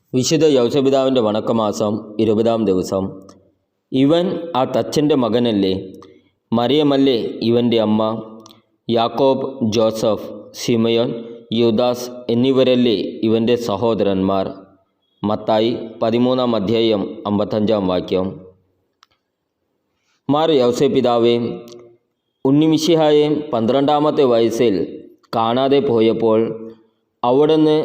വിശുദ്ധ യൗസപിതാവിൻ്റെ വണക്കമാസം 20-ാം ദിവസം. ഇവൻ ആ തച്ചൻ്റെ മകനല്ലേ? മറിയമല്ലേ ഇവൻ്റെ അമ്മ? യാക്കോബ്, ജോസഫ്, ശിമയോൻ, യൂദാസ് എന്നിവരല്ലേ ഇവൻ്റെ സഹോദരന്മാർ? മത്തായി 13-ാം അധ്യായം 55-ാം വാക്യം. മാർ യൗസപിതാവേ, ഉണ്ണിമിശിഹായെ 12-ാമത്തെ വയസ്സിൽ കാണാതെ പോയപ്പോൾ അവിടുന്ന്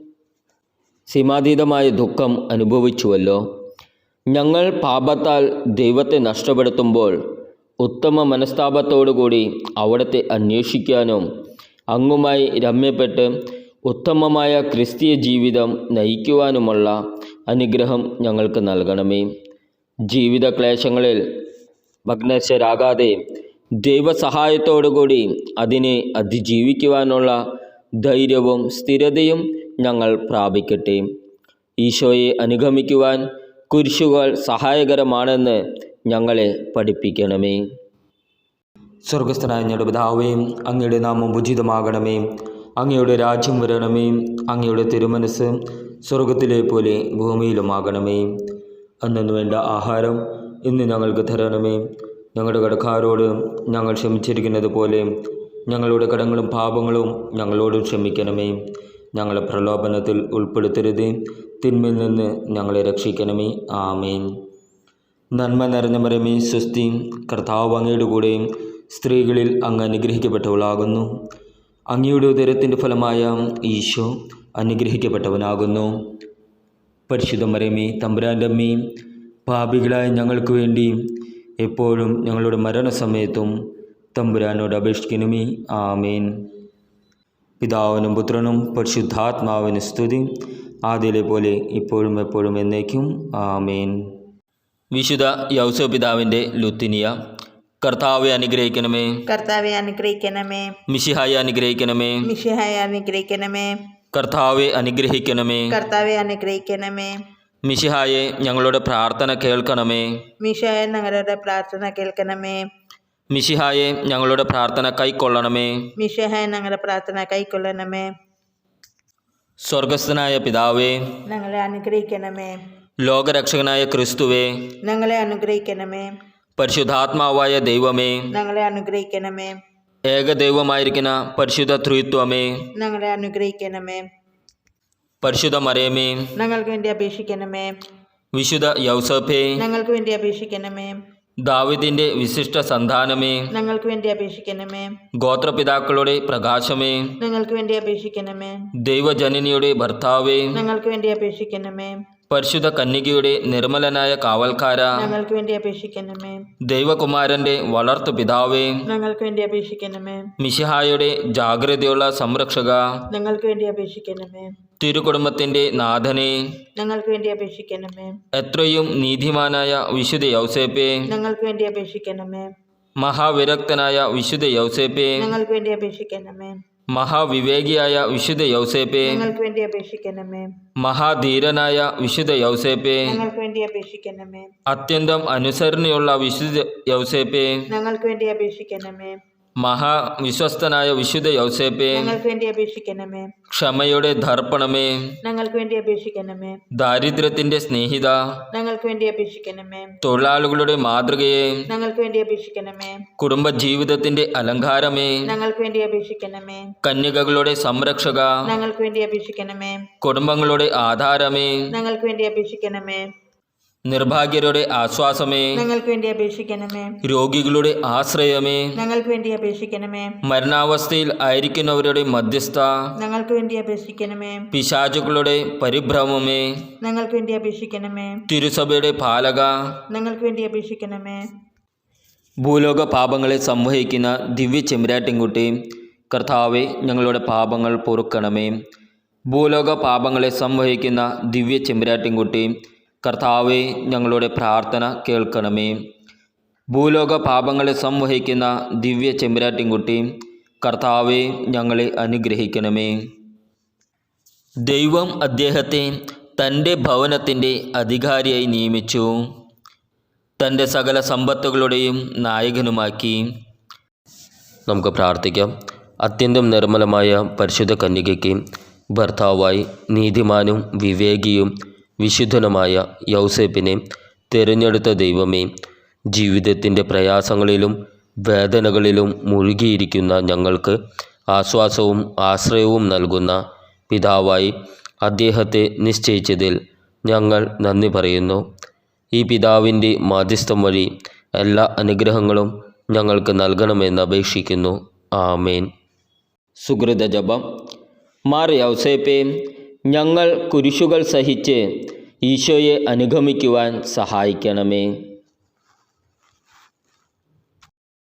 സീമാതീതമായ ദുഃഖം അനുഭവിച്ചുവല്ലോ. ഞങ്ങൾ പാപത്താൽ ദൈവത്തെ നഷ്ടപ്പെടുത്തുമ്പോൾ ഉത്തമ മനസ്താപത്തോടുകൂടി അവിടുത്തെ അന്വേഷിക്കാനും അങ്ങുമായി രമ്യപ്പെട്ട് ഉത്തമമായ ക്രിസ്തീയ ജീവിതം നയിക്കുവാനുമുള്ള അനുഗ്രഹം ഞങ്ങൾക്ക് നൽകണമേ. ജീവിത ക്ലേശങ്ങളിൽ ഭഗ്നശരാകാതെ ദൈവസഹായത്തോടുകൂടി അതിനെ അതിജീവിക്കുവാനുള്ള ധൈര്യവും സ്ഥിരതയും ഞങ്ങൾ പ്രാപിക്കട്ടെ. ഈശോയെ അനുഗമിക്കുവാൻ കുരിശുകൾ സഹായകരമാണെന്ന് ഞങ്ങളെ പഠിപ്പിക്കണമേ. സ്വർഗസ്ഥനായ ഞങ്ങളുടെ പിതാവേ, അങ്ങയുടെ നാമം ഉചിതമാകണമേ. അങ്ങയുടെ രാജ്യം വരണമേ. അങ്ങയുടെ തിരുമനസ് സ്വർഗത്തിലെ പോലെ ഭൂമിയിലുമാകണമേ. അന്നു വേണ്ട ആഹാരം ഇന്ന് ഞങ്ങൾക്ക് തരണമേ. ഞങ്ങളുടെ കടക്കാരോട് ഞങ്ങൾ ക്ഷമിച്ചിരിക്കുന്നത് പോലെ ഞങ്ങളുടെ കടങ്ങളും പാപങ്ങളും ഞങ്ങളോടും ക്ഷമിക്കണമേ. ഞങ്ങളെ പ്രലോഭനത്തിൽ ഉൾപ്പെടുത്തരുതേ, തിന്മയിൽ നിന്ന് ഞങ്ങളെ രക്ഷിക്കണമേ. ആമേൻ. നന്മ നിറഞ്ഞ മറിയമേ, സ്വസ്തി, കർത്താവ് അങ്ങയുടെ കൂടെ സ്ത്രീകളിൽ അങ്ങ് അനുഗ്രഹിക്കപ്പെട്ടവളാകുന്നു. അങ്ങയുടെ ഉദരത്തിൻ്റെ ഫലമായ ഈശോ അനുഗ്രഹിക്കപ്പെട്ടവനാകുന്നു. പരിശുദ്ധ മറിയമേ, തമ്പുരാൻ്റെ അമ്മേ, പാപികളായ ഞങ്ങൾക്ക് വേണ്ടി എപ്പോഴും ഞങ്ങളുടെ മരണസമയത്തും തമ്പുരാനോട് അപേക്ഷിക്കണമേ. ആമേൻ. പിതാവിനും പുത്രനും പരിശുദ്ധാത്മാവിന് സ്തുതി, ആദ്യയിലെ പോലെ ഇപ്പോഴും എപ്പോഴും എന്നേക്കും. ആമേൻ. വിശുദ്ധ യൗസപിതാവിൻ്റെ ലുത്തിനിയ. കർത്താവെ അനുഗ്രഹിക്കണമേ. കർത്താവെ അനുഗ്രഹിക്കണമേ. മിശിഹായെ അനുഗ്രഹിക്കണമേ. മിശിഹായെ അനുഗ്രഹിക്കണമേ. കർത്താവെ അനുഗ്രഹിക്കണമേ. കർത്താവെ അനുഗ്രഹിക്കണമേ. മിശിഹായെ ഞങ്ങളുടെ പ്രാർത്ഥന കേൾക്കണമേ. മിശിഹായെ ഞങ്ങളുടെ പ്രാർത്ഥന കേൾക്കണമേ. മിശിഹായെ ഞങ്ങളുടെ പ്രാർത്ഥന കൈക്കൊള്ളണമേ. മിശിഹായെ ഞങ്ങളുടെ പ്രാർത്ഥന കൈക്കൊള്ളണമേ. സ്വർഗസ്ഥനായ പിതാവേ, ഞങ്ങളെ അനുഗ്രഹിക്കണമേ. ലോകരക്ഷകനായ ക്രിസ്തുവേ, ഞങ്ങളെ അനുഗ്രഹിക്കണമേ. പരിശുദ്ധാത്മാവായ ദൈവമേ, ഞങ്ങളെ അനുഗ്രഹിക്കണമേ. ഏകദൈവമായിരിക്കുന്ന പരിശുദ്ധ ത്രിത്വമേ, ഞങ്ങളെ അനുഗ്രഹിക്കണമേ. പരിശുദ്ധ മറിയമേ, ഞങ്ങൾക്ക് വേണ്ടി അപേക്ഷിക്കണമേ. വിശുദ്ധ യൗസേപ്പേ, ഞങ്ങൾക്ക് വേണ്ടി അപേക്ഷിക്കണമേ. ദാവീദിന്റെ വിശിഷ്ട സന്താനമേ, ഞങ്ങൾക്ക് വേണ്ടി അപേക്ഷിക്കണമേ. ഗോത്രപിതാക്കളുടെ പ്രകാശമേ, ഞങ്ങൾക്ക് വേണ്ടി അപേക്ഷിക്കണമേ. ദൈവജനനിയുടെ ഭർത്താവേ, ഞങ്ങൾക്ക് വേണ്ടി അപേക്ഷിക്കണമേ. പരിശുദ്ധ കന്യകയുടെ നിർമ്മലനായ കാവൽക്കാര, ഞങ്ങൾക്ക് വേണ്ടി അപേക്ഷിക്കണമേ. ദൈവകുമാരന്റെ വളർത്തു പിതാവേ, ഞങ്ങൾക്ക് വേണ്ടി അപേക്ഷിക്കണമേ. മിശിഹായുടെ ജാഗ്രതയുള്ള സംരക്ഷക, ഞങ്ങൾക്ക് വേണ്ടി അപേക്ഷിക്കണമേ. തിരുകുടുംബത്തിന്റെ നാഥനെ, ഞങ്ങൾക്ക് വേണ്ടി അപേക്ഷിക്കണമേ. എത്രയും നീതിമാനായ വിശുദ്ധ യൗസേപ്പേ, ഞങ്ങൾക്ക് വേണ്ടി അപേക്ഷിക്കണമേ. മഹാവിരക്തനായ വിശുദ്ധ യൗസേപ്പേ, ഞങ്ങൾക്ക് വേണ്ടി അപേക്ഷിക്കണമേ. മഹാവിവേകിയായ വിശുദ്ധ യൗസേപ്പേ, ഞങ്ങൾക്ക് വേണ്ടി അപേക്ഷിക്കണമേ. മഹാധീരനായ വിശുദ്ധ യൗസേപ്പേ, ഞങ്ങൾക്ക് വേണ്ടി അപേക്ഷിക്കണമേ. അത്യന്തം അനുസരണയുള്ള വിശുദ്ധ യൗസേപ്പേ, ഞങ്ങൾക്ക് വേണ്ടി അപേക്ഷിക്കണമേ. മഹാവിശ്വസ്തനായ വിശുദ്ധ യൗസേപ്പേ, ഞങ്ങൾക്ക് വേണ്ടി അപേക്ഷിക്കണമേ. ക്ഷമയുടെ ദർപ്പണമേ, ഞങ്ങൾക്ക് വേണ്ടി അപേക്ഷിക്കണമേ. ദാരിദ്ര്യത്തിന്റെ സ്നേഹിത, ഞങ്ങൾക്ക് വേണ്ടി അപേക്ഷിക്കണമേ. തൊഴിലാളികളുടെ മാതൃകയെ, ഞങ്ങൾക്ക് വേണ്ടി അപേക്ഷിക്കണമേ. കുടുംബജീവിതത്തിന്റെ അലങ്കാരമേ, ഞങ്ങൾക്ക് വേണ്ടി അപേക്ഷിക്കണമേ. കന്യകകളുടെ സംരക്ഷക, ഞങ്ങൾക്ക് വേണ്ടി അപേക്ഷിക്കണമേ. കുടുംബങ്ങളുടെ ആധാരമേ, ഞങ്ങൾക്ക് വേണ്ടി അപേക്ഷിക്കണമേ. നിർഭാഗ്യരുടെ ആശ്വാസമേ, ഞങ്ങൾക്ക് വേണ്ടി അപേക്ഷിക്കണമേ. രോഗികളുടെ ആശ്രയമേ, ഞങ്ങൾക്ക് വേണ്ടി അപേക്ഷിക്കണമേ. മരണാവസ്ഥയിൽ ആയിരിക്കുന്നവരുടെ മധ്യസ്ഥ, ഞങ്ങൾക്ക് വേണ്ടി അപേക്ഷിക്കണമേ. പിശാചുക്കളുടെ പരിഭ്രമമേ, ഞങ്ങൾക്ക് വേണ്ടി അപേക്ഷിക്കണമേ. തിരുസഭയുടെ പാലക, ഞങ്ങൾക്ക് വേണ്ടി അപേക്ഷിക്കണമേ. ഭൂലോക പാപങ്ങളെ സംവഹിക്കുന്ന ദിവ്യ ചെമ്പരാട്ടിൻകുട്ടി, കർത്താവെ ഞങ്ങളുടെ പാപങ്ങൾ പൊറുക്കണമേ. ഭൂലോക പാപങ്ങളെ സംവഹിക്കുന്ന ദിവ്യ ചെമ്പരാട്ടിൻകുട്ടി, കർത്താവെ ഞങ്ങളുടെ പ്രാർത്ഥന കേൾക്കണമേ. ഭൂലോക പാപങ്ങളെ സംവഹിക്കുന്ന ദിവ്യ ചെമ്പരാട്ടിൻകുട്ടി, കർത്താവെ ഞങ്ങളെ അനുഗ്രഹിക്കണമേ. ദൈവം അദ്ദേഹത്തെ തൻ്റെ ഭവനത്തിൻ്റെ അധികാരിയായി നിയമിച്ചു, തൻ്റെ സകല സമ്പത്തുകളുടെയും നായകനുമാക്കി. നമുക്ക് പ്രാർത്ഥിക്കാം. അത്യന്തം നിർമ്മലമായ പരിശുദ്ധ കന്യകയ്ക്ക് ഭർത്താവായി നീതിമാനും വിവേകിയും വിശുദ്ധനുമായ യൗസേപ്പിനെ തിരഞ്ഞെടുത്ത ദൈവമേ, ജീവിതത്തിൻ്റെ പ്രയാസങ്ങളിലും വേദനകളിലും മുഴുകിയിരിക്കുന്ന ഞങ്ങൾക്ക് ആശ്വാസവും ആശ്രയവും നൽകുന്ന പിതാവായി അദ്ദേഹത്തെ നിശ്ചയിച്ചതിൽ ഞങ്ങൾ നന്ദി പറയുന്നു. ഈ പിതാവിൻ്റെ മാധ്യസ്ഥം വഴി എല്ലാ അനുഗ്രഹങ്ങളും ഞങ്ങൾക്ക് നൽകണമെന്ന് അപേക്ഷിക്കുന്നു. ആമേൻ. സുകൃത ജപം. മാർ യൗസേപ്പേ, ഞങ്ങൾ കുരിശുകൾ സഹിച്ച് ഈശോയെ അനുഗമിക്കുവാൻ സഹായിക്കണമേ.